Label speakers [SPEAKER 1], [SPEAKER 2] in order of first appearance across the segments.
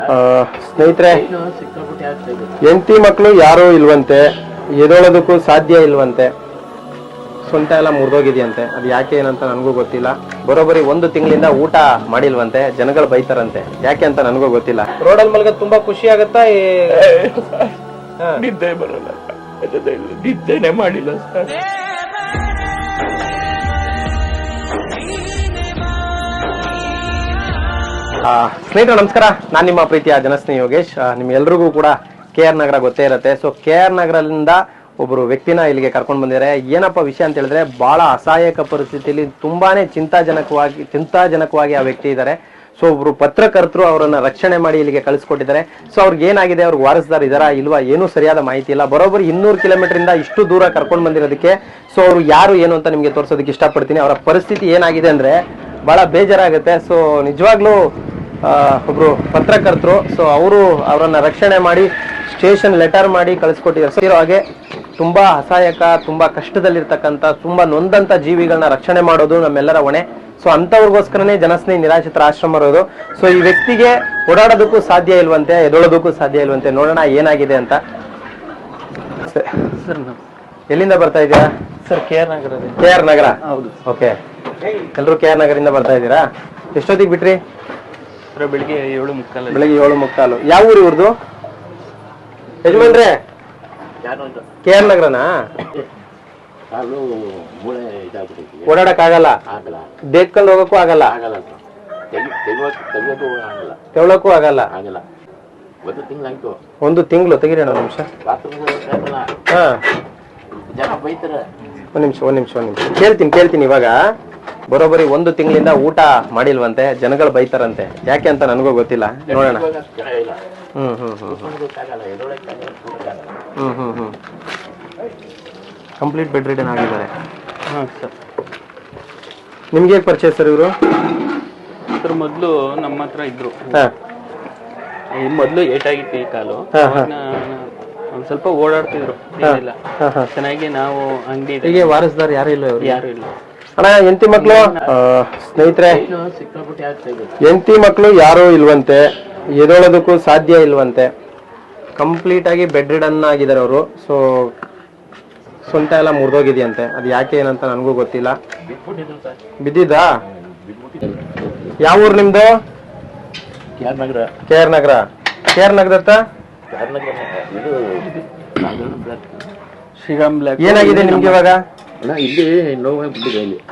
[SPEAKER 1] ಸ್ನೇಹಿತರೆ, ಹೆಂಡತಿ ಮಕ್ಕಳು ಯಾರು ಇಲ್ವಂತೆ, ಎದೊಳೋದಕ್ಕೂ ಸಾಧ್ಯ ಇಲ್ವಂತೆ, ಸೊಂಟ ಎಲ್ಲ ಮುರಿದೋಗಿದೆಯಂತೆ. ಅದು ಯಾಕೆ ಏನಂತ ನನಗೂ ಗೊತ್ತಿಲ್ಲ. ಬರೋಬ್ಬರಿ 1 ತಿಂಗಳಿಂದ ಊಟ ಮಾಡಿಲ್ವಂತೆ. ಜನಗಳು ಬೈತಾರಂತೆ, ಯಾಕೆ ಅಂತ ನನಗೂ ಗೊತ್ತಿಲ್ಲ. ರೋಡಲ್ಲಿ ಮಲ್ಗ ತುಂಬಾ ಖುಷಿ ಆಗತ್ತಾ?
[SPEAKER 2] ನಿದ್ದೆ ಬರಲ್ಲ, ನಿದ್ದೆನೆ ಮಾಡಿಲ್ಲ ಸರ್.
[SPEAKER 1] ಸ್ನೇಹಿತರೆ ನಮಸ್ಕಾರ, ನಾನು ನಿಮ್ಮ ಪ್ರೀತಿಯ ಜನಸ್ನೇಹಿ ಯೋಗೇಶ್. ನಿಮ್ಗೆಲ್ರಿಗೂ ಕೂಡ KR ನಗರ ಗೊತ್ತೇ ಇರುತ್ತೆ. ಸೊ KR ನಗರದಿಂದ ಒಬ್ರು ವ್ಯಕ್ತಿನ ಇಲ್ಲಿಗೆ ಕರ್ಕೊಂಡು ಬಂದಿದ್ದಾರೆ. ಏನಪ್ಪ ವಿಷಯ ಅಂತ ಹೇಳಿದ್ರೆ, ಬಹಳ ಅಸಹಾಯಕ ಪರಿಸ್ಥಿತಿಯಲ್ಲಿ ತುಂಬಾನೇ ಚಿಂತಾಜನಕವಾಗಿ ಆ ವ್ಯಕ್ತಿ ಇದ್ದಾರೆ. ಸೊ ಒಬ್ರು ಪತ್ರಕರ್ತರು ಅವರನ್ನ ರಕ್ಷಣೆ ಮಾಡಿ ಇಲ್ಲಿಗೆ ಕಳಿಸ್ಕೊಟ್ಟಿದ್ದಾರೆ. ಸೊ ಅವ್ರಿಗೆ ಏನಾಗಿದೆ, ಅವ್ರಿಗೆ ವಾರಸ್ದಾರ್ ಇದಾರಾ ಇಲ್ವಾ ಏನೂ ಸರಿಯಾದ ಮಾಹಿತಿ ಇಲ್ಲ. ಬರೋಬ್ಬರಿ 200 ಕಿಲೋಮೀಟರ್ ಇಂದ ಇಷ್ಟು ದೂರ ಕರ್ಕೊಂಡು ಬಂದಿರೋದಕ್ಕೆ ಸೊ ಅವರು ಯಾರು ಏನು ಅಂತ ನಿಮ್ಗೆ ತೋರಿಸೋದಕ್ಕೆ ಇಷ್ಟಪಡ್ತೀನಿ. ಅವರ ಪರಿಸ್ಥಿತಿ ಏನಾಗಿದೆ ಅಂದ್ರೆ ಬಹಳ ಬೇಜಾರಾಗುತ್ತೆ. ಸೊ ನಿಜವಾಗ್ಲೂ ಒಬ್ರು ಪತ್ರಕರ್ತರು, ಸೊ ಅವರನ್ನ ರಕ್ಷಣೆ ಮಾಡಿ ಸ್ಟೇಷನ್ ಲೆಟರ್ ಮಾಡಿ ಕಳಿಸ್ಕೊಟ್ಟಿದ್ದಾರೆ. ಸೊ ಇರೋ ಹಾಗೆ ತುಂಬಾ ಅಸಹಾಯಕ, ತುಂಬಾ ಕಷ್ಟದಲ್ಲಿರ್ತಕ್ಕಂಥ, ತುಂಬಾ ನೊಂದಂತ ಜೀವಿಗಳನ್ನ ರಕ್ಷಣೆ ಮಾಡೋದು ನಮ್ಮೆಲ್ಲರ ಹೊಣೆ. ಸೊ ಅಂತವ್ರಿಗೋಸ್ಕರನೇ ಜನಸ್ನೇಹಿ ನಿರಾಶ್ರಿತರ ಆಶ್ರಮ ಇರೋದು. ಸೊ ಈ ವ್ಯಕ್ತಿಗೆ ಓಡಾಡೋದಕ್ಕೂ ಸಾಧ್ಯ ಇಲ್ವಂತೆ, ಎದೊಳೋದಕ್ಕೂ ಸಾಧ್ಯ ಇಲ್ವಂತೆ. ನೋಡೋಣ ಏನಾಗಿದೆ ಅಂತ.
[SPEAKER 2] ಸರ್
[SPEAKER 1] ಎಲ್ಲಿಂದ ಬರ್ತಾ ಇದೀರಾ
[SPEAKER 2] ಸರ್? KR ನಗರ.
[SPEAKER 1] KR ನಗರ,
[SPEAKER 2] ಹೌದು.
[SPEAKER 1] ಓಕೆ, ಎಲ್ಲರೂ KR ನಗರಿಂದ ಬರ್ತಾ ಇದ್ದೀರಾ? ಎಷ್ಟೊತ್ತಿಗೆ ಬಿಟ್ರಿ?
[SPEAKER 2] ಬೆಳಿಗ್ಗೆ 7:15.
[SPEAKER 1] ಬೆಳಿಗ್ಗೆ 7:15. ಯಾವ ಊರು ಇವ್ರದ್ದು ಯಜಮಾನ್ರೆ? KR ನಗರನಾ? ಓಡಾಡಕ್ ಆಗಲ್ಲ, ದೇಕ್ಕೊಂಡು ಹೋಗಕ್ಕೂ ಆಗಲ್ಲ, ತೆವಳಕ್ಕೂ ಆಗಲ್ಲ. 1 ತಿಂಗಳು ತೆಗಿರೋಣ. ನಿಮಿಷ, ಹಾ, ಒಂದ್ ನಿಮಿಷ ಕೇಳ್ತೀನಿ. ಇವಾಗ ಬರೋಬ್ಬರಿ 1 ತಿಂಗಳಿಂದ ಊಟ ಮಾಡಿಲ್ವಂತೆ. ಜನಗಳು ಬೈತಾರಂತೆ, ಯಾಕೆ ಅಂತ ನನಗೂ ಗೊತ್ತಿಲ್ಲ. ನೋಡೋಣ. ಕಂಪ್ಲೀಟ್ ಬೆಡ್ ರಿಡನ್ ಆಗಿದ್ದಾರೆ.
[SPEAKER 2] ಸರ್
[SPEAKER 1] ನಿಮ್ಗೆ ಹೇಗೆ ಪರಿಚಯ ಸರ್ ಇವರು?
[SPEAKER 2] ಸರ್ ಮೊದಲು ನಮ್ಮ ಹತ್ರ ಇದ್ರು. ಮೊದಲು ಏಟಾಗಿತ್ತು ಈ ಕಾಲು. ಒಂದ್ ಸ್ವಲ್ಪ ಓಡಾಡ್ತಿದ್ರು, ಏನಿಲ್ಲ, ಚೆನ್ನಾಗಿ. ನಾವು ಅಂಗಡಿ
[SPEAKER 1] ಹೀಗೆ ವಾರಸ್ದಾರ್ ಯಾರು ಇಲ್ಲ?
[SPEAKER 2] ಯಾರು ಇಲ್ಲ
[SPEAKER 1] ಅಣ್ಣ. ಹೆಂಡತಿ ಮಕ್ಕಳು, ಸ್ನೇಹಿತರೆ, ಹೆಂಡತಿ ಮಕ್ಕಳು ಯಾರು ಇಲ್ವಂತೆ, ಎದೊಳೋದಕ್ಕೂ ಸಾಧ್ಯ ಇಲ್ವಂತೆ. ಕಂಪ್ಲೀಟ್ ಆಗಿ ಬೆಡ್ ರಿಡನ್ ಆಗಿದ್ದಾರೆ ಅವರು. ಸೊ ಸೊಂಟ ಎಲ್ಲ ಮುರಿದೋಗಿದೆಯಂತೆ. ಅದು ಯಾಕೆ ಏನಂತ ನನಗೂ ಗೊತ್ತಿಲ್ಲ. ಬಿದ್ದಿದ್ದಾ? ಯಾವ ಊರು ನಿಮ್ದು? KR ನಗರ.
[SPEAKER 2] ಶ್ರೀರಾಮ್ ಬ್ಲಾಕ್.
[SPEAKER 1] ಏನಾಗಿದೆ ನಿಮ್ಗೆ ಇವಾಗ?
[SPEAKER 3] ಇಲ್ಲಿ ನೋವಾಗ್ಬಿಟ್ಟಿದೆ. ಇಲ್ಲಿ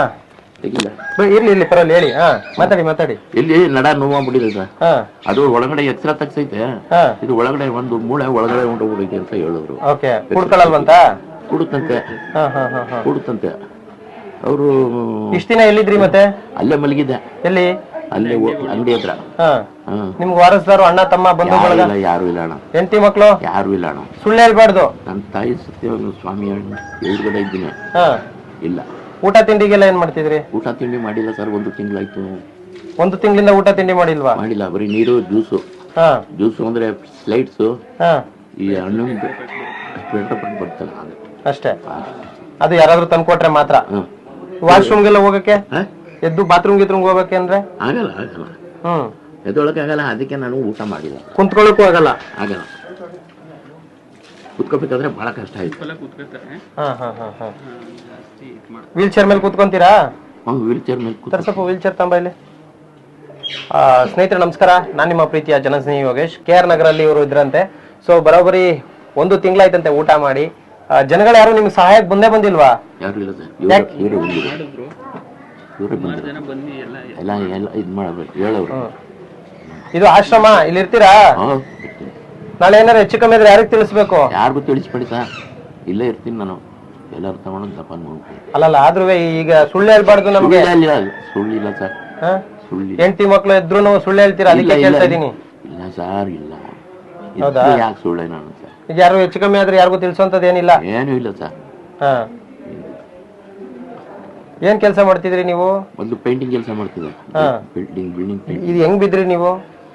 [SPEAKER 1] ಇರ್ಲಿ ಪರವಾಗಿಲ್ಲ, ಹೇಳಿ. ಮಾತಾಡಿ.
[SPEAKER 3] ಇಲ್ಲಿ ನಡ ನೋವಾಗ್ಬಿಟ್ಟಿದೆ ಸರ್. ಅದು ಒಳಗಡೆ ಎಕ್ಸ್ರಾ ತಗ್ಸೈತೆ. ಇದು ಒಳಗಡೆ ಒಂದು ಮೂಳೆ ಒಳಗಡೆ ಹೊಂಟೋಗ್ಬಿಡೈತೆ ಅಂತ ಹೇಳಿದ್ರು.
[SPEAKER 1] ಓಕೆ, ಕುಡ್ಕೊಳ್ಳಲ್ವಂತ?
[SPEAKER 3] ಕೂಡುತ್ತಂತೆ. ಅವರು
[SPEAKER 1] ಇಷ್ಟ ದಿನ ಎಲ್ಲಿದ್ರಿ ಮತ್ತೆ?
[SPEAKER 3] ಅಲ್ಲೇ ಮಲಗಿದ್ದೆ.
[SPEAKER 1] ಎಲ್ಲಿ?
[SPEAKER 3] ಅಲ್ಲೇ ಅಂಗಡಿ ಹತ್ರ.
[SPEAKER 1] ನಿಮ್ಗೆ ವಾರಸ್ದಾರು, ಅಣ್ಣ ತಮ್ಮ, ಬಂಧು ಬಳಗ
[SPEAKER 3] ಯಾರು ಇಲ್ಲ ಅಣ್ಣ.
[SPEAKER 1] ಹೆಂಡತಿ ಮಕ್ಕಳು
[SPEAKER 3] ಯಾರು ಇಲ್ಲ ಅಣ್ಣ.
[SPEAKER 1] ಸುಳ್ಳು ಹೇಳ್ಬಾರ್ದು.
[SPEAKER 3] ನನ್ನ ತಾಯಿ ಸತ್ಯವಾಗ್ಲೂ ಸ್ವಾಮಿ ಎದುರುಗಡೆ ಇದ್ದೀನಿ. ಇಲ್ಲ.
[SPEAKER 1] ಊಟ ತಿಂಡಿಗೆಲ್ಲ ಏನ್ ಮಾಡ್ತಿದ್ರಿ?
[SPEAKER 3] ಊಟ ತಿಂಡಿ ಮಾಡಿಲ್ಲ ಸರ್. 1 ತಿಂಗಳಾಯ್ತು.
[SPEAKER 1] 1 ತಿಂಗಳಿಂದ ಊಟ ತಿಂಡಿ ಮಾಡಿಲ್ವಾ?
[SPEAKER 3] ಮಾಡಿಲ್ಲ, ಬರೀ ನೀರು, ಜ್ಯೂಸು ಅಂದ್ರೆ ಸ್ಲೈಡ್ಸು, ಈ ಹಣ್ಣು ಬರ್ತಲ್ಲ
[SPEAKER 1] ಅಷ್ಟೇ. ಅದು ಯಾರಾದ್ರೂ ತಂದ್ಕೊಟ್ರೆ ಮಾತ್ರ. ವಾಶ್ರೂಮ್ಗೆಲ್ಲ ಹೋಗಕ್ಕೆ, ಎದ್ದು ಬಾತ್ರೂಮ್ ಹೋಗಕ್ಕೆ ಅಂದ್ರೆ
[SPEAKER 3] ಆಗಲ್ಲ. ಎದೊಳಕ್ಕೆ ಆಗಲ್ಲ. ಅದಕ್ಕೆ ನಾನು ಊಟ ಮಾಡಿಲ್ಲ.
[SPEAKER 1] ಕುಂತ್ಕೊಳ್ಳಕ್ಕೂ ಆಗಲ್ಲ.
[SPEAKER 3] ಕುತ್ಕೋಬೇಕಾದ್ರೆ ಬಹಳ ಕಷ್ಟ ಆಯ್ತು.
[SPEAKER 1] ವೀಲ್ ಚೇರ್ ಮೇಲೆ ಕುತ್ಕೊಂತೀರಾ?
[SPEAKER 3] ವೀಲ್ ಚೇರ್ ಮೇಲೆ
[SPEAKER 1] ಸ್ವಲ್ಪ ವೀಲ್ ಚೇರ್ ತಂಬ ಇಲ್ಲಿ. ಸ್ನೇಹಿತರೆ ನಮಸ್ಕಾರ, ನಾನು ನಿಮ್ಮ ಪ್ರೀತಿಯ ಜನಸ್ನೇಹಿ ಯೋಗೇಶ್. KR ನಗರಲ್ಲಿ ಇವರು ಇದ್ರಂತೆ. ಸೊ ಬರೋಬ್ಬರಿ 1 ತಿಂಗಳಾಯ್ತಂತೆ ಊಟ ಮಾಡಿ. ಜನಗಳು ಯಾರು ನಿಮ್ಗೆ ಸಹಾಯಕ್ಕೆ ಬಂದೇ ಬಂದಿಲ್ವಾ?
[SPEAKER 3] ಯಾರು ಇಲ್ಲ ಸರ್. ಹೇಳೋರು.
[SPEAKER 1] ಇದು ಆಶ್ರಮ, ಇಲ್ಲಿ ಇರ್ತೀರಾ? ನಾಳೆ ಏನಾರು ಹೆಚ್ಚು ಕಮ್ಮಿ ಇದ್ರೆ ಯಾರಿಗೆ ತಿಳಿಸ್ಬೇಕು?
[SPEAKER 3] ಯಾರಿಗೂ ತಿಳಿಸ್ಬೇಡಿ ಸರ್. ಇಲ್ಲೇ ಇರ್ತೀನಿ ನಾನು. ಎಲ್ಲರೂ ತಗೊಂಡು ಜಪಾನ್ ಮಾಡ್ತೀನಿ.
[SPEAKER 1] ಅಲ್ಲಲ್ಲ, ಆದ್ರೂ ಈಗ ಸುಳ್ಳು ಹೇಳ್ಬಾರ್ದು ನಮ್ಗೆ.
[SPEAKER 3] ಸುಳ್ಳಿಲ್ಲ ಸರ್.
[SPEAKER 1] ಹೆಂಡತಿ ಮಕ್ಳು ಇದ್ರು ಸುಳ್ಳು ಹೇಳ್ತೀರಾ? ಅದಕ್ಕೆ ಕೇಳ್ತಾ ಇದೀನಿ.
[SPEAKER 3] ಇಲ್ಲ ಸರ್, ಇಲ್ಲ.
[SPEAKER 1] ಹೌದಾ?
[SPEAKER 3] ಯಾಕೆ ಸುಳ್ಳೆ ನಾನು ಸರ್?
[SPEAKER 1] ಈಗ ಯಾರು ಹೆಚ್ಚು ಕಮ್ಮಿ ಆದ್ರೆ ಯಾರಿಗೂ ತಿಳಿಸೋಂಥದ್ದು ಏನಿಲ್ಲ?
[SPEAKER 3] ಏನೂ ಇಲ್ಲ ಸರ್.
[SPEAKER 1] ಏನ್ ಕೆಲಸ ಮಾಡ್ತಿದ್ರಿ ನೀವು?
[SPEAKER 3] ಒಂದು ಪೇಂಟಿಂಗ್ ಕೆಲಸ ಮಾಡ್ತಿದ್ದೆ. Building painting.
[SPEAKER 1] ಇದು ಹೆಂಗ್ ಬಿದ್ರಿ ನೀವು?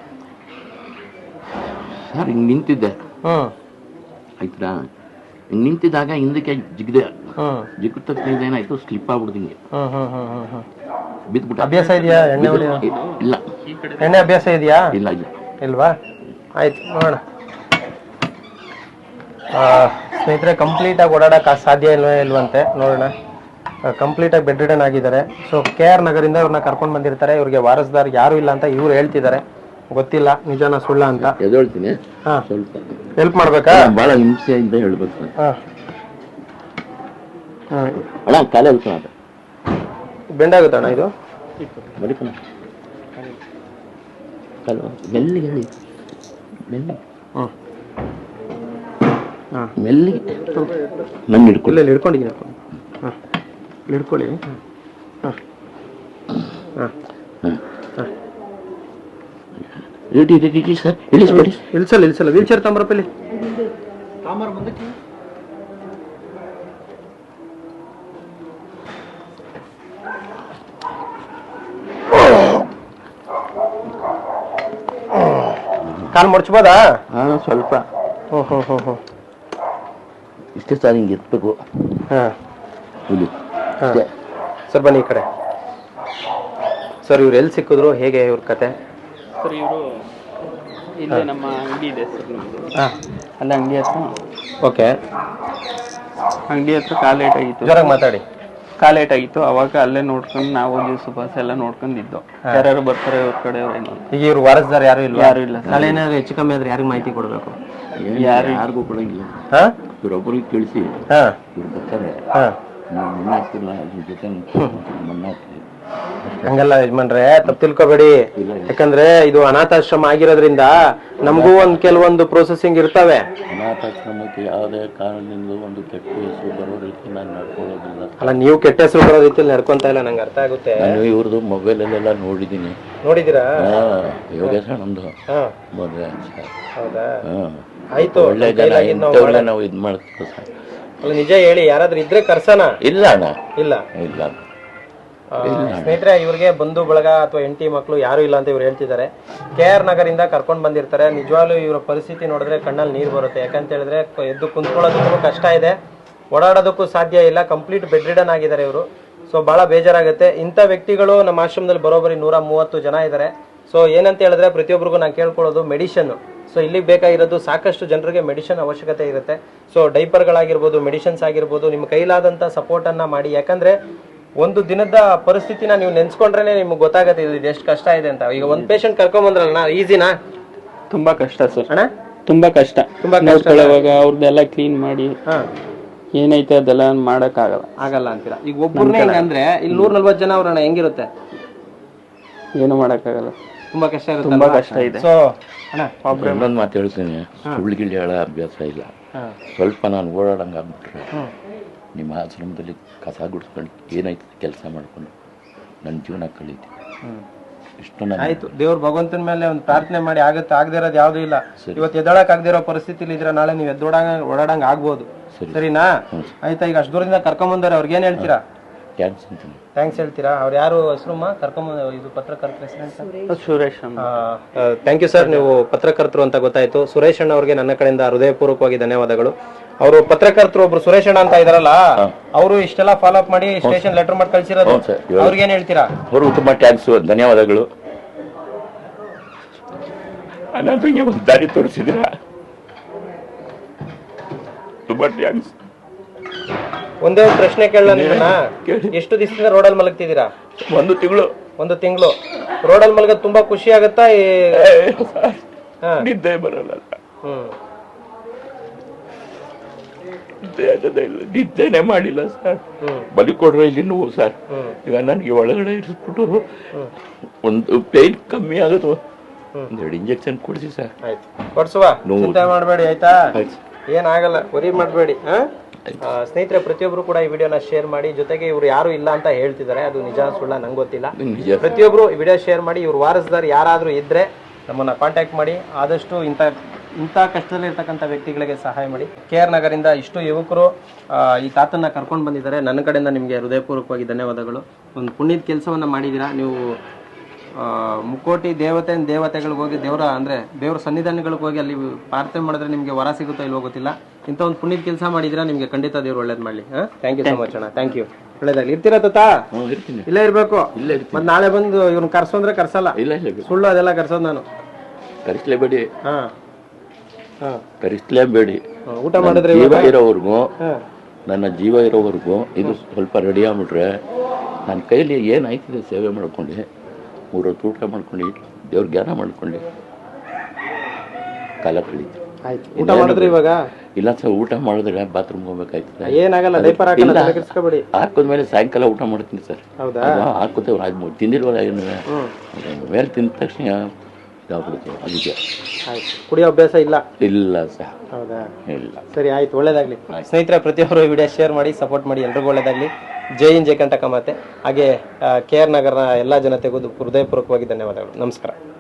[SPEAKER 3] ಸರ್ ಹಿಂಗ್ ನಿಂತಿದ್ದೆ, ಆಯ್ತಾ? ಹಿಂಗ್ ನಿಂತಿದ್ದಾಗ ಹಿಂದಕ್ಕೆ ಜಿಗ್ದೆ. ಜಿಗ್ಗಿದ ತಕ್ಷಣ ಏನಾಯ್ತು, ಸ್ಲಿಪ್ ಆಗ್ಬಿಡ್ತೀನಿ, ಬಿದ್ಬಿಟ್ಟು.
[SPEAKER 1] ಅಭ್ಯಾಸ ಇದೆಯಾ ಎಣ್ಣೆ?
[SPEAKER 3] ಇಲ್ಲ.
[SPEAKER 1] ಎಣ್ಣೆ ಅಭ್ಯಾಸ ಇದೆಯಾ?
[SPEAKER 3] ಇಲ್ಲ.
[SPEAKER 1] ಇಲ್ವಾ? ಆಯ್ತು, ನೋಡೋಣ. ಸ್ನೇಹಿತರೆ, ಕಂಪ್ಲೀಟಾಗಿ ಓಡಾಡಕ್ಕೆ ಸಾಧ್ಯ ಇಲ್ವಂತೆ. ನೋಡೋಣ. ಕಂಪ್ಲೀಟಾಗಿ ಬೆಡ್ ರಿಡನ್ ಆಗಿದ್ದಾರೆ. ಸೊ KR ನಗರಿಂದ ಇವ್ರನ್ನ ಕರ್ಕೊಂಡು ಬಂದಿರ್ತಾರೆ. ಇವ್ರಿಗೆ ವಾರಸ್ದಾರ್ ಯಾರು ಇಲ್ಲ ಅಂತ ಇವ್ರು ಹೇಳ್ತಿದ್ದಾರೆ. ಗೊತ್ತಿಲ್ಲ ನಿಜಾನ ಸುಳ್ಳ ಅಂತ.
[SPEAKER 3] ಎದೊಳ್ತೀನಿ.
[SPEAKER 1] ಹಾ,
[SPEAKER 3] ಸ್ವಲ್ಪ
[SPEAKER 1] ಹೆಲ್ಪ್ ಮಾಡ್ಬೇಕಾ?
[SPEAKER 3] ಬಹಳ ಹಿಂಸೆಯಿಂದ ಹೇಳ್ಬೇಕು.
[SPEAKER 1] ಹಾ,
[SPEAKER 3] ಅಣ್ಣ ಕಾಲೇ ಹೇಳ್ತಾನ
[SPEAKER 1] ಬೆಂಡಾಗುತ್ತಣ್ಣ ಇದು.
[SPEAKER 3] ಬರೀಕಣ ಕಾಲು ಮೆಲ್ಲಿಗೆ ಹೇಳಿ, ಮೆಲ್ಲಿಗೆ ಮೆಲ್ಲಿಗೆ ನನ್ನ ಹಿಡ್ಕೊಳ್ಳಿ.
[SPEAKER 1] ಇಲ್ಲ ಹಿಡ್ಕೊಂಡಿದ್ದೀನಿ. ಹಾಂ, ಹಿಡ್ಕೊಳ್ಳಿ. ಹಾಂ ಹಾಂ
[SPEAKER 3] ಇಡಿ ಸರ್, ಇಳಿಸ್ಬೇಡಿ.
[SPEAKER 1] ಇಲ್ಸಲ್ಲ ವೀಲ್ ಚೇರ್ ತಂಬರಪ್ಪ ಇಲ್ಲಿ. ಕಾಲು ಮುಡ್ಚ್ಬೋದಾ?
[SPEAKER 3] ಹಾಂ, ಸ್ವಲ್ಪ.
[SPEAKER 1] ಹ್ಞೂ
[SPEAKER 3] ಇಷ್ಟೇ ಸರ್, ಹಿಂಗೆ ಇರ್ಬೇಕು.
[SPEAKER 1] ಹಾಂ,
[SPEAKER 3] ಇಲ್ಲಿ
[SPEAKER 1] ಸರ್ ಬನ್ನಿ ಈ ಕಡೆ. ಸರ್ ಇವ್ರು ಎಲ್ಲಿ ಸಿಕ್ಕಿದ್ರು, ಹೇಗೆ ಇವ್ರ ಕತೆ?
[SPEAKER 2] ಸರ್ ಇವರು ಇಲ್ಲೇ ನಮ್ಮ ಅಂಗಡಿ ಇದೆ ಸರ್ ನಮ್ಮದು.
[SPEAKER 1] ಹಾಂ,
[SPEAKER 2] ಅಲ್ಲೇ ಅಂಗಡಿ ಹತ್ರ.
[SPEAKER 1] ಓಕೆ.
[SPEAKER 2] ಅಂಗಡಿ ಹತ್ರ ಕಾಲ್ ಲೇಟ್ ಆಗಿತ್ತು.
[SPEAKER 1] ಜೋರಾಗಿ ಮಾತಾಡಿ.
[SPEAKER 2] ಕಾಲ್ ಲೇಟ್ ಆಗಿತ್ತು. ಅವಾಗ ಅಲ್ಲೇ ನೋಡ್ಕೊಂಡು ನಾವು ಜ್ಯೂಸ್ ಬಸ್ ಎಲ್ಲ ನೋಡ್ಕೊಂಡಿದ್ದು. ಯಾರು ಬರ್ತಾರೆ ಅವ್ರ ಕಡೆಯವ್ರು ಏನೋ.
[SPEAKER 1] ಈಗ ಇವ್ರು ವಾರಸ್ದಾರ್ ಯಾರು ಇಲ್ಲ?
[SPEAKER 2] ಯಾರು ಇಲ್ಲ.
[SPEAKER 1] ನಾಳೆ ಏನಾದ್ರು ಹೆಚ್ಚು ಕಮ್ಮಿ ಆದ್ರೆ ಯಾರಿಗೆ ಮಾಹಿತಿ ಕೊಡಬೇಕು?
[SPEAKER 3] ಯಾರಿಗೂ ಕೊಡಂಗಿಲ್ಲ.
[SPEAKER 1] ಹಾಂ,
[SPEAKER 3] ಇವ್ರೊಬ್ಬರಿಗೆ ತಿಳಿಸಿ
[SPEAKER 1] ಹಾಂ
[SPEAKER 3] ಇವ್ರು ಬರ್ತಾರೆ.
[SPEAKER 1] ಹಾಂ.
[SPEAKER 3] ನಾವು ಮಣ್ಣು ಹಾಕ್ತಿಲ್ಲ, ಅದ್ರ ಜೊತೆ ಮಣ್ಣು ಹಾಕ್ತೀವಿ.
[SPEAKER 1] ಹಂಗಲ್ಲ ಯಜಮಾನ್ರೆ, ತಪ್ಪು ತಿಳ್ಕೊಬೇಡಿ. ಯಾಕಂದ್ರೆ ಇದು ಅನಾಥಾಶ್ರಮ ಆಗಿರೋದ್ರಿಂದ ನಮಗೂ ಕೆಲವೊಂದು ಪ್ರೊಸೆಸಿಂಗ್ ಇರ್ತವೆ.
[SPEAKER 3] ಅನಾಥಾಶ್ರಮಕ್ಕೆ ಯಾವುದೇ ಕಾರಣದಿಂದ ಒಂದು ಕೆಟ್ಟ ಹೆಸರು ಬರೋ ರೀತಿ ನಾನು ನಡ್ಕೊಳ್ಳೋದಿಲ್ಲ.
[SPEAKER 1] ಅಲ್ಲ, ನೀವು ಕೆಟ್ಟ ಹೆಸರು ಬರೋ ರೀತಿಯಲ್ಲಿ ನಡ್ಕೊಂತ ಇಲ್ಲ, ನಂಗೆ ಅರ್ಥ ಆಗುತ್ತೆ.
[SPEAKER 3] ನಾನು ಇವ್ರದ್ದು ಮೊಬೈಲಲ್ಲೆಲ್ಲ ನೋಡಿದ್ದೀನಿ.
[SPEAKER 1] ನೋಡಿದ್ದೀರಾ?
[SPEAKER 3] ಯೋಗೇಶ ನಮ್ದು
[SPEAKER 1] ಹಾಂ,
[SPEAKER 3] ಮದುವೆ.
[SPEAKER 1] ಹೌದಾ?
[SPEAKER 3] ಹಾಂ,
[SPEAKER 1] ಒಳ್ಳೇದು.
[SPEAKER 3] ಒಳ್ಳೆ ಜನ ಇಂಥವ್ರನ್ನ ನಾವು ಇದು ಮಾಡ್ತೀವಿ ಸರ್.
[SPEAKER 1] ಅಲ್ಲ, ನಿಜ ಹೇಳಿ, ಯಾರಾದ್ರೂ ಇದ್ರೆ ಕರ್ಸನ?
[SPEAKER 3] ಇಲ್ಲ ಅಣ್ಣ,
[SPEAKER 1] ಇಲ್ಲ.
[SPEAKER 3] ಇಲ್ಲ.
[SPEAKER 1] ಸ್ನೇಹಿತರೆ, ಇವ್ರಿಗೆ ಬಂಧು ಬಳಗ ಅಥವಾ ಹೆಂಡತಿ ಮಕ್ಕಳು ಯಾರು ಇಲ್ಲ ಅಂತ ಇವ್ರು ಹೇಳ್ತಿದ್ದಾರೆ. KR ನಗರಿಂದ ಕರ್ಕೊಂಡು ಬಂದಿರ್ತಾರೆ. ನಿಜವಾಗ್ಲೂ ಇವರ ಪರಿಸ್ಥಿತಿ ನೋಡಿದ್ರೆ ಕಣ್ಣಲ್ಲಿ ನೀರು ಬರುತ್ತೆ. ಯಾಕಂತ ಹೇಳಿದ್ರೆ ಎದ್ದು ಕುಂತ್ಕೊಳ್ಳೋದಕ್ಕೂ ಕಷ್ಟ ಇದೆ, ಓಡಾಡೋದಕ್ಕೂ ಸಾಧ್ಯ ಇಲ್ಲ. ಕಂಪ್ಲೀಟ್ ಬೆಡ್ ರಿಡನ್ ಆಗಿದ್ದಾರೆ ಇವರು. ಸೊ ಬಹಳ ಬೇಜಾರಾಗುತ್ತೆ. ಇಂಥ ವ್ಯಕ್ತಿಗಳು ನಮ್ಮ ಆಶ್ರಮದಲ್ಲಿ ಬರೋಬ್ಬರಿ 130 ಜನ ಇದ್ದಾರೆ. ಸೊ ಏನಂತ ಹೇಳಿದ್ರೆ ಪ್ರತಿಯೊಬ್ಬರಿಗೂ ನಾನು ಕೇಳ್ಕೊಳ್ಳೋದು ಮೆಡಿಷನ್. ಸೊ ಇಲ್ಲಿಗೆ ಬೇಕಾಗಿರೋದು ಸಾಕಷ್ಟು ಜನರಿಗೆ ಮೆಡಿಷನ್ ಅವಶ್ಯಕತೆ ಇರುತ್ತೆ. ಸೊ ಡೈಪರ್ಗಳಾಗಿರ್ಬೋದು, ಮೆಡಿಷನ್ಸ್ ಆಗಿರ್ಬೋದು, ನಿಮ್ಮ ಕೈಲಾದಂಥ ಸಪೋರ್ಟನ್ನು ಮಾಡಿ. ಯಾಕಂದರೆ ಒಂದು ದಿನದ ಪರಿಸ್ಥಿತಿನ ನೀವು ನೆನ್ಸ್ಕೊಂಡ್ರೆ ನಿಮ್ಗೆ ಗೊತ್ತಾಗತ್ತೆ ಇದು ಎಷ್ಟು ಕಷ್ಟ ಇದೆ ಅಂತ. ಈಗ ಒಂದು ಪೇಷಂಟ್ ಕರ್ಕೊಂಬಂದ್ರಲ್ಲ, ಈಸಿನಾ?
[SPEAKER 2] ತುಂಬಾ ಕಷ್ಟ ಸರ್.
[SPEAKER 1] ಅಣ್ಣ,
[SPEAKER 2] ತುಂಬಾ ಕಷ್ಟ. ನೋಡ್ಕೊಳ್ಳೋವಾಗ ಅವ್ರದ್ದೆಲ್ಲ ಕ್ಲೀನ್ ಮಾಡಿ ಏನೈತೆ ಅದೆಲ್ಲ ಆಗಲ್ಲ
[SPEAKER 1] ಅಂತೀರಾ? ಈಗ ಒಬ್ಬರನ್ನೇ ಅಂದ್ರೆ ಇಲ್ಲಿ 140 ಜನ ಅವ್ರಣ್ಣ, ಹೆಂಗಿರುತ್ತೆ?
[SPEAKER 2] ಏನು ಮಾಡಕ್ಕಾಗಲ್ಲ.
[SPEAKER 1] ತುಂಬಾ ಕಷ್ಟ ಇರುತ್ತೆ.
[SPEAKER 2] ತುಂಬಾ ಕಷ್ಟ ಇದೆ.
[SPEAKER 1] ಸೊ ಅಣ್ಣ,
[SPEAKER 3] ಇನ್ನೊಂದು ಮಾತು ಹೇಳ್ತೀನಿ, ಸುಳ್ಳುಗಿಳ್ಳಿ ಹೇಳೋ ಅಭ್ಯಾಸ ಇಲ್ಲ. ಸ್ವಲ್ಪ ನಾನು ಓಡಾಡಂಗೆ ಆಗ್ಬಿಟ್ರೆ ನಿಮ್ಮ ಆಶ್ರಮದಲ್ಲಿ ಕಸ ಗುಡಿಸ್ಕೊಂಡು ಏನಾಯ್ತು ಕೆಲಸ ಮಾಡ್ಕೊಂಡು ನನ್ನ ಜೀವನ ಕಳೀತೀನಿ. ಇಷ್ಟು
[SPEAKER 1] ಆಯ್ತು. ದೇವ್ರ ಭಗವಂತನ ಮೇಲೆ ಒಂದು ಪ್ರಾರ್ಥನೆ ಮಾಡಿ. ಆಗುತ್ತೆ, ಆಗದೆ ಇರೋದು ಯಾವ್ದು ಇಲ್ಲ. ಇವತ್ತು ಎದ್ದೊಳಕ್ ಆಗದೆ ಇರೋ ಪರಿಸ್ಥಿತಿಲಿ ಇದ್ರೆ ನಾಳೆ ನೀವು ಓಡಾಡಂಗ್ ಆಗ್ಬೋದು. ಸರಿನಾ? ಆಯ್ತಾ? ಈಗ ಅಷ್ಟು ದೂರದಿಂದ ಕರ್ಕೊಂಬಂದಾರೆ, ಅವ್ರಿಗೆ ಏನ್ ಹೇಳ್ತೀರಾ? ಥ್ಯಾಂಕ್ಸ್ ಹೇಳ್ತೀರಾ? ಅವ್ರು ಯಾರು ಹೆಸರುಮ್ಮ ಕರ್ಕೊಂಬಂದ? ಇದು ಪತ್ರಕರ್ತರ ಹೆಸರು?
[SPEAKER 2] ಸುರೇಶ್.
[SPEAKER 1] ಥ್ಯಾಂಕ್ ಯು ಸರ್, ನೀವು ಪತ್ರಕರ್ತರು ಅಂತ ಗೊತ್ತಾಯ್ತು. ಸುರೇಶ್ ಅಣ್ಣ ಅವ್ರಿಗೆ ನನ್ನ ಕಡೆಯಿಂದ ಹೃದಯಪೂರ್ವಕವಾಗಿ ಧನ್ಯವಾದಗಳು. ಅವರು ಪತ್ರಕರ್ತರು ಒಬ್ರು ಸುರೇಶ್ ಅಣ್ಣ ಅಂತ ಇದಾರಲ್ಲ, ಅವರು ಇಷ್ಟೆಲ್ಲ ಫಾಲೋ ಅಪ್ ಮಾಡಿ ಸ್ಟೇಷನ್ ಲೆಟರ್ ಮಾಡಿ ಕಳ್ಸಿರೋದು. ಅವ್ರಿಗೆ ಏನ್ ಹೇಳ್ತೀರಾ?
[SPEAKER 3] ಅವ್ರಿಗೂ ತುಂಬಾ ಥ್ಯಾಂಕ್ಸ್, ಧನ್ಯವಾದಗಳು. ಅನಾಥರಿಗೆ ಒಂದು ದಾರಿ ತೋರಿಸಿದ್ದೀರಾ, ತುಂಬಾ ಥ್ಯಾಂಕ್ಸ್.
[SPEAKER 1] ಒಂದೇ ಒಂದು ಪ್ರಶ್ನೆ ಕೇಳಲ್ಲ ನಿಮ್ಮನ್ನ, ಎಷ್ಟು ದಿವಸದಿಂದ ರೋಡಲ್ಲಿ ಮಲಗ್ತಿದ್ದೀರಾ?
[SPEAKER 3] 1 ತಿಂಗಳು.
[SPEAKER 1] 1 ತಿಂಗಳು ರೋಡಲ್ಲಿ ಮಲಗೋದು ತುಂಬಾ ಖುಷಿ ಆಗತ್ತಾ?
[SPEAKER 3] ನಿದ್ದೆ ಬರಲ್ಲ. ನಿದ್ದೆನೆ ಮಾಡಿಲ್ಲ ಸರ್. ಬಲಿ ಕೊಡ್ರೆ ಇಲ್ಲಿ ನೋವು ಸರ್. ಈಗ ನನಗೆ ಒಳಗಡೆ ಇರಿಸ್ಬಿಟ್ಟು ಒಂದು ಪೇನ್ ಕಮ್ಮಿ ಆಗುತ್ತೆ, 1-2 ಇಂಜೆಕ್ಷನ್ ಕೊಡಿಸಿ ಸರ್.
[SPEAKER 1] ಆಯ್ತು, ಕೊಡ್ಸುವ, ಚಿಂತೆ ಮಾಡಬೇಡಿ ಆಯ್ತಾ? ಏನಾಗಲ್ಲ, ವರಿ ಮಾಡಬೇಡಿ. ಸ್ನೇಹಿತರೆ, ಪ್ರತಿಯೊಬ್ರು ಕೂಡ ಈ ವಿಡಿಯೋನ ಶೇರ್ ಮಾಡಿ. ಜೊತೆಗೆ ಇವ್ರು ಯಾರು ಇಲ್ಲ ಅಂತ ಹೇಳ್ತಿದ್ದಾರೆ, ಅದು ನಿಜ ಸುಳ್ಳ ನಂಗೆ ಗೊತ್ತಿಲ್ಲ. ಪ್ರತಿಯೊಬ್ರು ಈ ವಿಡಿಯೋ ಶೇರ್ ಮಾಡಿ. ಇವ್ರು ವಾರಸ್ದಾರ್ ಯಾರಾದ್ರೂ ಇದ್ರೆ ನಮ್ಮನ್ನ ಕಾಂಟ್ಯಾಕ್ಟ್ ಮಾಡಿ. ಆದಷ್ಟು ಇಂಥ ಕಷ್ಟದಲ್ಲಿ ಇರ್ತಕ್ಕಂಥ ವ್ಯಕ್ತಿಗಳಿಗೆ ಸಹಾಯ ಮಾಡಿ. KR ನಗರಿಂದ ಇಷ್ಟು ಯುವಕರು ಈ ತಾತನ್ನ ಕರ್ಕೊಂಡು ಬಂದಿದ್ದಾರೆ. ನನ್ನ ಕಡೆಯಿಂದ ನಿಮಗೆ ಹೃದಯಪೂರ್ವಕವಾಗಿ ಧನ್ಯವಾದಗಳು. ಒಂದು ಪುಣ್ಯದ ಕೆಲಸವನ್ನ ಮಾಡಿದ್ದೀರಾ ನೀವು. ಮುಕ್ಕೋಟಿ ದೇವತೆಗಳಿಗೆ ಹೋಗಿ ದೇವರ ಸನ್ನಿಧಾನಗಳಿಗೆ ಹೋಗಿ ಅಲ್ಲಿ ಪ್ರಾರ್ಥನೆ ಮಾಡಿದ್ರೆ ನಿಮಗೆ ವರ ಸಿಗುತ್ತೋ ಇಲ್ವೋ ಗೊತ್ತಿಲ್ಲ. ಇಂಥ ಒಂದು ಪುಣ್ಯದ ಕೆಲಸ ಮಾಡಿದ್ರೆ ನಿಮಗೆ ಖಂಡಿತ ದೇವ್ರು ಒಳ್ಳೇದು ಮಾಡಲಿ. ಥ್ಯಾಂಕ್ ಯು ಸೊ ಮಚ್ ಅಣ್ಣ. Thank you. ಒಳ್ಳೇದಾಗಲಿ. ಇರ್ತೀರಾ ತಾತ? ಇಲ್ಲೇ ಇರ್ಬೇಕು. ಮತ್ತೆ ನಾಳೆ ಬಂದು ಇವ್ರನ್ನ ಕರ್ಸೋಂದ್ರೆ ಕರ್ಸಲ್ಲ, ಸುಳ್ಳು ಅದೆಲ್ಲ ಕರ್ಸೋದು ನಾನು.
[SPEAKER 3] ಕರೆಸಲೇಬೇಡಿ,
[SPEAKER 1] ಹಾ ಹಾ
[SPEAKER 3] ಕರೆಸಲೇಬೇಡಿ.
[SPEAKER 1] ಊಟ ಮಾಡಿದ್ರೆ
[SPEAKER 3] ಜೀವ ಇರೋವರೆಗೂ,
[SPEAKER 1] ಹಾ
[SPEAKER 3] ನನ್ನ ಜೀವ ಇರೋವರೆಗೂ ಇದು ಸ್ವಲ್ಪ ರೆಡಿ ಆಗ್ಬಿಟ್ರೆ ನನ್ನ ಕೈಲಿ ಏನಾಯ್ತಿದೆ ಸೇವೆ ಮಾಡ್ಕೊಂಡು 3 ಹೊತ್ತು ಊಟ ಮಾಡ್ಕೊಂಡು ದೇವ್ರ ಜ್ಞಾನ ಮಾಡ್ಕೊಂಡು ಕಾಲ ಕಳೀತೀವಿ.
[SPEAKER 1] ಆಯ್ತು. ಊಟ ಮಾಡಿದ್ರೆ ಇವಾಗ
[SPEAKER 3] ಇಲ್ಲ ಸರ್, ಊಟ ಮಾಡಿದ್ರೆ ಬಾತ್ರೂಮ್ ಹೋಗ್ಬೇಕಾಯ್ತದೆ.
[SPEAKER 1] ಏನಾಗಲ್ಲ, ಡೈಪರ್ ಹಾಕಲ್ಲ, ತಲೆ ಕೆಡಿಸ್ಕೋಬೇಡಿ.
[SPEAKER 3] ಹಾಕಿದ್ಮೇಲೆ ಸಾಯಂಕಾಲ ಊಟ ಮಾಡ್ತೀನಿ ಸರ್.
[SPEAKER 1] ಹೌದಾ?
[SPEAKER 3] ಹಾಕೋತೇವೆ, ಅದು ತಿಂದಿಲ್ವಲ್ಲ ಏನು ಮೇಲೆ ತಿಂದ ತಕ್ಷಣ ಇದಾಗ್ಬಿಡುತ್ತೆ. ಅದಕ್ಕೆ
[SPEAKER 1] ಆಯ್ತು. ಕುಡಿಯೋ ಅಭ್ಯಾಸ ಇಲ್ಲ?
[SPEAKER 3] ಇಲ್ಲ ಸರ್.
[SPEAKER 1] ಹೌದಾ?
[SPEAKER 3] ಇಲ್ಲ.
[SPEAKER 1] ಸರಿ, ಆಯ್ತು, ಒಳ್ಳೇದಾಗ್ಲಿ. ಸ್ನೇಹಿತರೆ, ಪ್ರತಿಯೊಬ್ಬರು ವಿಡಿಯೋ ಶೇರ್ ಮಾಡಿ, ಸಪೋರ್ಟ್ ಮಾಡಿ, ಎಲ್ರಿಗೂ ಒಳ್ಳೇದಾಗ್ಲಿ. ಜೈ ಹಿಂದ್, ಜೈ ಕಂಟಕ ಮಾತೆ. ಹಾಗೆ KR ನಗರ ಎಲ್ಲ ಜನತೆಗೂ ಹೃದಯಪೂರ್ವಕವಾಗಿ ಧನ್ಯವಾದಗಳು. ನಮಸ್ಕಾರ.